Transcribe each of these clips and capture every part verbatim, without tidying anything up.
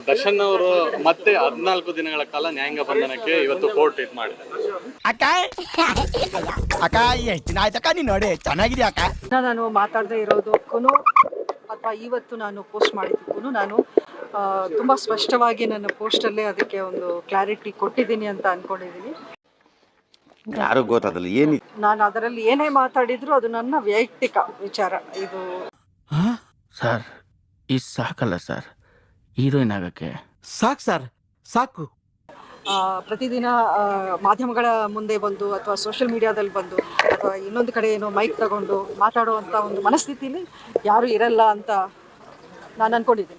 ದರ್ಶನ್ ಅವರು ಮತ್ತೆ ಹದಿನಾಲ್ಕು ದಿನಗಳ ಕಾಲ ನ್ಯಾಯಾಂಗ ಬಂಧನಕ್ಕೆ ಇವತ್ತು ಕೋರ್ಟ್ ಇದು ಮಾಡಿದ್ದಾರೆ. ಅಕ್ಕ ಅಕ್ಕ ಎಷ್ಟು ದಿನ ಆಯ್ತಕ್ಕ ನೀನು ನೋಡಿ ಚೆನ್ನಾಗಿದೆ ಅಕ್ಕ. ನಾನು ಮಾತಾಡದೇ ಇರೋದಕ್ಕೂ ಅಥವಾ ಇವತ್ತು ನಾನು ಪೋಸ್ಟ್ ಮಾಡಿದ್ದಕ್ಕೂ ನಾನು ತುಂಬ ಸ್ಪಷ್ಟವಾಗಿ ನನ್ನ ಪೋಸ್ಟಲ್ಲೇ ಅದಕ್ಕೆ ಒಂದು ಕ್ಲಾರಿಟಿ ಕೊಟ್ಟಿದ್ದೀನಿ ಅಂತ ಅಂದ್ಕೊಂಡಿದ್ದೀನಿ. ಯಾರು ಗೊತ್ತಾಗಲ್ಲ ಏನು ನಾನು ಅದರಲ್ಲಿ ಏನೇ ಮಾತಾಡಿದ್ರು ಅದು ನನ್ನ ವೈಯಕ್ತಿಕ ವಿಚಾರ. ಇದು ಸರ್ ಇದು ಸಾಕಲ್ಲ ಸರ್ ಹೀರೋಯಿನ್ ಆಗಕ್ಕೆ. ಸಾಕು ಸರ್ ಸಾಕು. ಪ್ರತಿದಿನ ಮಾಧ್ಯಮಗಳ ಮುಂದೆ ಬಂದು ಅಥವಾ ಸೋಷಿಯಲ್ ಮೀಡಿಯಾದಲ್ಲಿ ಬಂದು ಅಥವಾ ಇನ್ನೊಂದು ಕಡೆ ಏನೋ ಮೈಕ್ ತಗೊಂಡು ಮಾತಾಡುವಂಥ ಒಂದು ಮನಸ್ಥಿತಿಲಿ ಯಾರೂ ಇರಲ್ಲ ಅಂತ ನಾನು ಅಂದ್ಕೊಂಡಿದ್ದೀನಿ.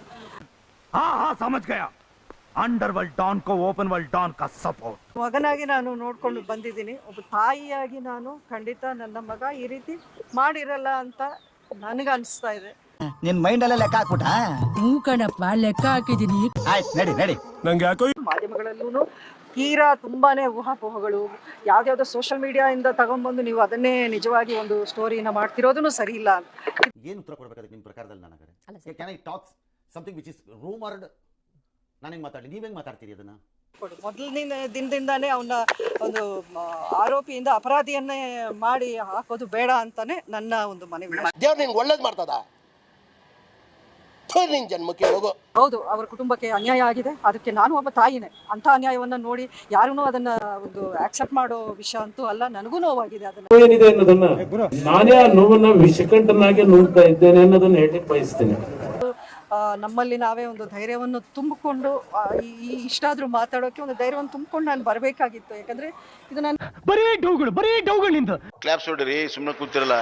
ಅಂಡರ್ ವರ್ಲ್ಡ್ ಡಾನ್ ಕೋ ಓಪನ್ ವರ್ಲ್ಡ್ ಡಾನ್ ಕಾ ಸಪೋರ್ಟ್. ಮಗನಾಗಿ ನಾನು ನೋಡ್ಕೊಂಡು ಬಂದಿದ್ದೀನಿ. ಒಬ್ಬ ತಾಯಿಯಾಗಿ ನಾನು ಖಂಡಿತ ನನ್ನ ಮಗ ಈ ರೀತಿ ಮಾಡಿರಲ್ಲ ಅಂತ ನನಗೆ ಅನಿಸ್ತಾ ಇದೆ. ನಿನ್ ಮೈಂಡ್ ಅಲ್ಲೇ ಲೆಕ್ಕ ಹಾಕ್ಬಿಟ್ಟ. ಹ್ಞೂ ಕಣಪ್ಪ ಲೆಕ್ಕ ಹಾಕಿದ್ದೀನಿ. ಆಯ್ತು ನಡಿ ನಡಿ. ನಂಗೆ ಯಾಕೋ ಮಾಧ್ಯಮಗಳಲ್ಲೂ ತೀರಾ ತುಂಬಾನೇ ಊಹಾಪೋಹಗಳು, ಯಾವ್ದಾವ್ದೋ ಸೋಷಿಯಲ್ ಮೀಡಿಯಾದಿಂದ ತಗೊಂಡ್ಬಂದು ನೀವು ಅದನ್ನೇ ನಿಜವಾಗಿ ಒಂದು ಸ್ಟೋರಿನ ಮಾಡ್ತಿರೋದನ್ನು ಸರಿ ಇಲ್ಲ. ಏನು ಉತ್ತರ ಕೊಡಬೇಕಾದ್ರೆ ನಿಮ್ಮ ಪ್ರಕಾರದಲ್ಲಿ ನನಗೆ can I talks something which is rumoured? ನಾನು ಹೆಂಗೆ ಮಾತಾಡಲಿ, ನೀವು ಹೆಂಗೆ ಮಾತಾಡ್ತೀರಿ ಅದನ್ನ? ಮೊದಲಿನ ದಿನದಿಂದಾನೇ ಅವನ ಒಂದು ಆರೋಪಿಯಿಂದ ಅಪರಾಧಿಯನ್ನೇ ಮಾಡಿ ಹಾಕೋದು ಬೇಡ ಅಂತಾನೆ ನನ್ನ ಒಂದು ಮನವಿ. ದೇವ್ರು ನಿಂಗೆ ಒಳ್ಳೇದು ಮಾಡ್ತದ, ನಿನ್ ಜನ್ಮಕ್ಕೆ ಹೋಗೋ. ಹೌದು, ಅವರ ಕುಟುಂಬಕ್ಕೆ ಅನ್ಯಾಯ ಆಗಿದೆ. ಅದಕ್ಕೆ ನಾನು ಒಬ್ಬ ತಾಯಿನೇ. ಅಂಥ ಅನ್ಯಾಯವನ್ನ ನೋಡಿ ಯಾರೂ ಅದನ್ನ ಒಂದು ಆಕ್ಸೆಪ್ಟ್ ಮಾಡೋ ವಿಷಯ ಅಂತೂ ಅಲ್ಲ. ನನಗೂ ನೋವಾಗಿದೆ. ಅದನ್ನ ಏನಿದೆ ಅನ್ನೋದನ್ನ ನಾನೇ ಆ ನೋವನ್ನ ವಿಷಕಂಠನಾಗಿ ನೋಡ್ತಾ ಇದ್ದೇನೆ ಅನ್ನೋದನ್ನ ಹೇಳಲಿಕ್ಕೆ ಬಯಸ್ತೇನೆ. ನಮ್ಮಲ್ಲಿ ನಾವೇ ಒಂದು ಧೈರ್ಯವನ್ನು ತುಂಬಿಕೊಂಡು ಈ ಇಷ್ಟಾದ್ರೂ ಮಾತಾಡೋಕೆ ಒಂದು ಧೈರ್ಯವನ್ನು ತುಂಬಿಕೊಂಡು ನಾನು ಬರಬೇಕಾಗಿತ್ತು. ಯಾಕಂದ್ರೆ ಇದು ನಾನು ಬರೀ ಡೌಗಳು ಬರೀ ಡೌಗಳಿಂದ ಕ್ಲಾಪ್ಸ್ ಹೊಡ್ರಿ, ಸುಮ್ಮನೆ ಕೂತಿರಲ್ಲ.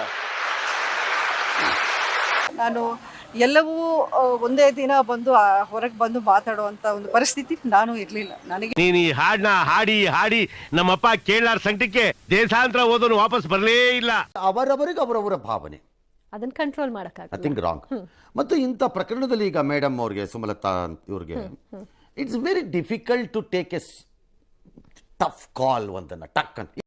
ನಾನು ಎಲ್ಲವೂ ಒಂದೇ ದಿನ ಬಂದು ಹೊರಗೆ ಬಂದು ಮಾತಾಡುವಂತ ಒಂದು ಪರಿಸ್ಥಿತಿ ನಾನು ಇರ್ಲಿಲ್ಲ. ನನಗೆ ನೀನು ಈ ಹಾಡನ್ನ ಹಾಡಿ ಹಾಡಿ ನಮ್ಮಪ್ಪ ಕೇಳಾರ ಸಂಕಟಕ್ಕೆ ದೇಶಾಂತರ ಓದೋನು ವಾಪಸ್ ಬರಲೇ ಇಲ್ಲ. ಅವರವರಿಗೆ ಅವರವರ ಭಾವನೆ, ಅದನ್ನ ಕಂಟ್ರೋಲ್ ಮಾಡಕ್ಕಾಗಲ್ಲ. I think wrong. ಮತ್ತು ಇಂಥ ಪ್ರಕರಣದಲ್ಲಿ ಈಗ ಮೇಡಮ್ ಅವ್ರಿಗೆ, ಸುಮಲತಾ ಇವ್ರಿಗೆ, it's very difficult to take a tough call ಒಂದನ್ನು ಟಕ್ ಅಂತ.